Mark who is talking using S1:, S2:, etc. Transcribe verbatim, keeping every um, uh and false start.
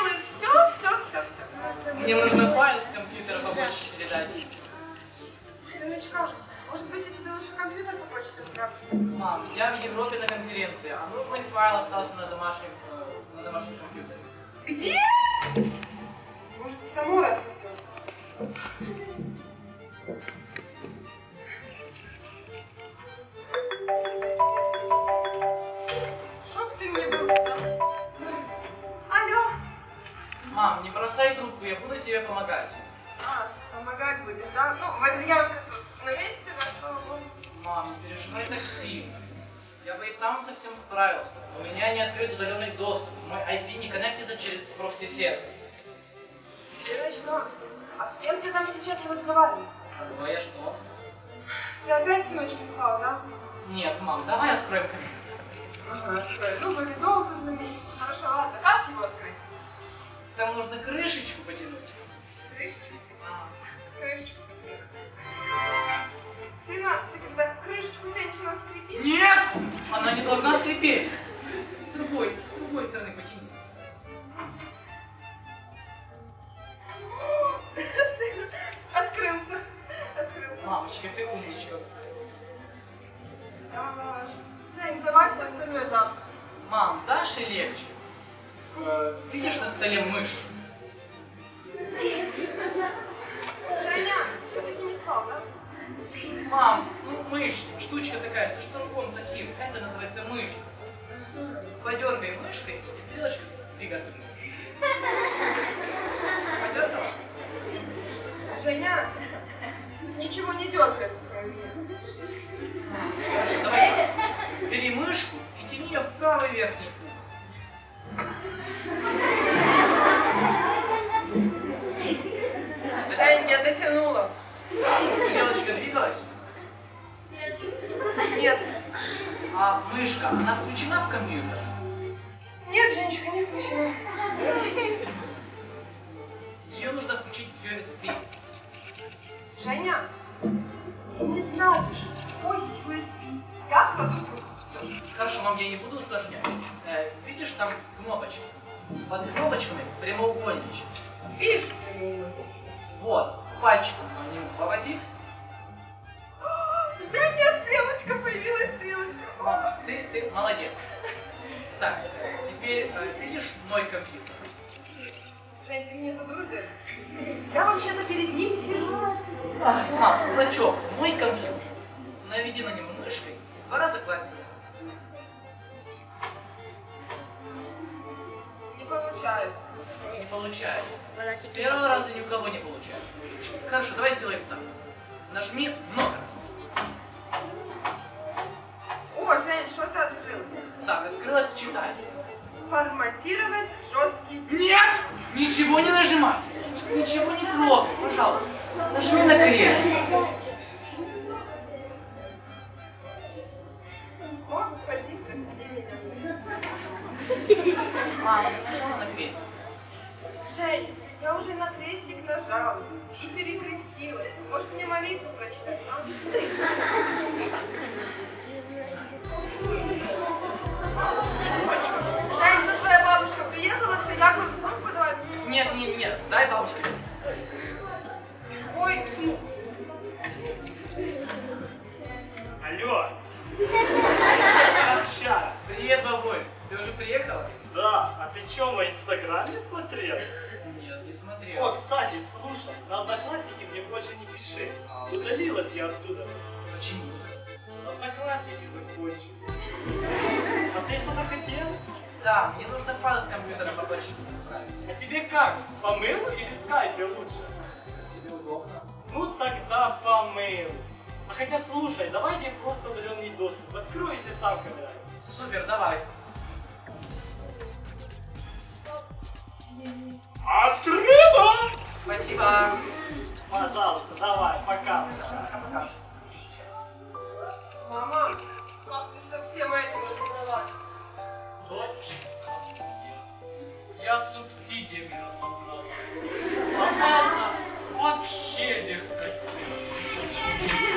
S1: делает все, все, все, все.
S2: Мне нужно файл с компьютера побольше передать.
S1: Сыночка, может быть, я тебе лучше компьютер по почте отправлю?
S2: Мам, я в Европе на конференции, а нужный файл остался на домашнем, э, на домашнем компьютере.
S1: Где? Может, само рассосется. Чтоб ты мне был сдал. Алло.
S2: Мам, не бросай трубку, я буду тебе помогать.
S1: А, помогать будешь, да? Ну, валерьянка тут на месте, да, слава богу.
S2: Мам, не переживай так сильно. Я бы и сам совсем справился. У меня не открыт удаленный доступ. Мой ай пи не коннектится через прокси-сервер.
S1: Сыночка, а с кем ты там сейчас разговариваешь?
S2: Ну, я что?
S1: Ты опять сыночки сказал, да?
S2: Нет, мам, давай откроем компьютер.
S1: Ага, открой. Ну, валидол тут на месте. Хорошо, ладно, как его открыть?
S2: Там нужно крышечку потянуть.
S1: Крышечку?
S2: А.
S1: Крышечку потянуть. Сына, ты когда крышечку тянешь, она скрипит?
S2: Нет! Она не должна скрипеть. С другой, с другой стороны потяни.
S1: Сын, открылся. Открылся.
S2: Мамочка, ты умничка.
S1: А, Жень, давай все остальное завтра.
S2: Мам, дашь и легче. Э, видишь на столе мышь?
S1: Женя, все-таки не спал, да?
S2: Мам, ну мышь, штучка такая, со штурмом таким. Это называется мышь. Подергай мышкой, и стрелочка двигаться будет. Подергала?
S1: Женя, ничего не дергается, кроме меня.
S2: Хорошо, давай так. Бери мышку и тяни ее в правый верхний угол.
S1: Жень, я дотянула.
S2: Стрелочка двигалась?
S1: Нет.
S2: А мышка, она включена в компьютер?
S1: Нет, Женечка, не включена.
S2: Ее нужно включить в ю эс би.
S1: Женя, ты не знаешь, какой ю эс би. Я кладу трубку. Все.
S2: Хорошо, мам, я не буду усложнять. Э, видишь там кнопочки? Под кнопочками прямоугольничек.
S1: Видишь?
S2: Вот, пальчиком по нему поводи.
S1: Женя, стрелочка появилась, стрелочка.
S2: Мама, ты, ты молодец. Так, теперь э, видишь мой компьютер?
S1: Жень, ты меня задурил? Я вообще-то перед ним сижу.
S2: Ах, мам, значок, мой компьютер. Наведи на него мышкой, два раза кладь сюда.
S1: Не получается.
S2: Не получается. С первого раза ни у кого не получается. Хорошо, давай сделаем так. Нажми много раз.
S1: О, Жень, что ты открыл?
S2: Так, открылась, читай.
S1: Форматировать жесткий.
S2: Нет! Ничего не нажимай! Ничего не трогай, пожалуйста. Нажми на крестик.
S1: Господи, прости меня.
S2: Мама, ты нажала на крестик.
S1: Жень, я уже на крестик нажала и перекрестилась. Может, мне молитву прочитать, а? Жень, ну твоя бабушка приехала, все, я кладу трубку, давай.
S2: Нет, нет, нет, дай бабушке.
S1: Ой, ну.
S3: Алло! Обща!
S2: Привет, бабуль. Ты уже приехала?
S3: Да, а ты чё, мой инстаграм не смотрел?
S2: Нет, не
S3: О,
S2: смотрел.
S3: кстати, слушай, на Одноклассники мне больше не пиши. Удалилась я оттуда.
S2: Почему?
S3: Одноклассники закончились. А ты что-то хотел?
S2: Да, мне нужно файл с компьютера побольше отправить.
S3: А тебе как? По мейлу или в скайпе лучше?
S2: Тебе удобно?
S3: Ну тогда по мейлу. А хотя слушай, давай тебе просто удаленный доступ. Открой, если сам копаешься.
S2: Супер, давай.
S3: Открыто!
S2: Спасибо.
S3: Пожалуйста, давай, пока.
S2: Пока-пока.
S1: Мама, как ты совсем этим разобралась?
S3: Дочь, я субсидиями разобрался. А папа вообще легко.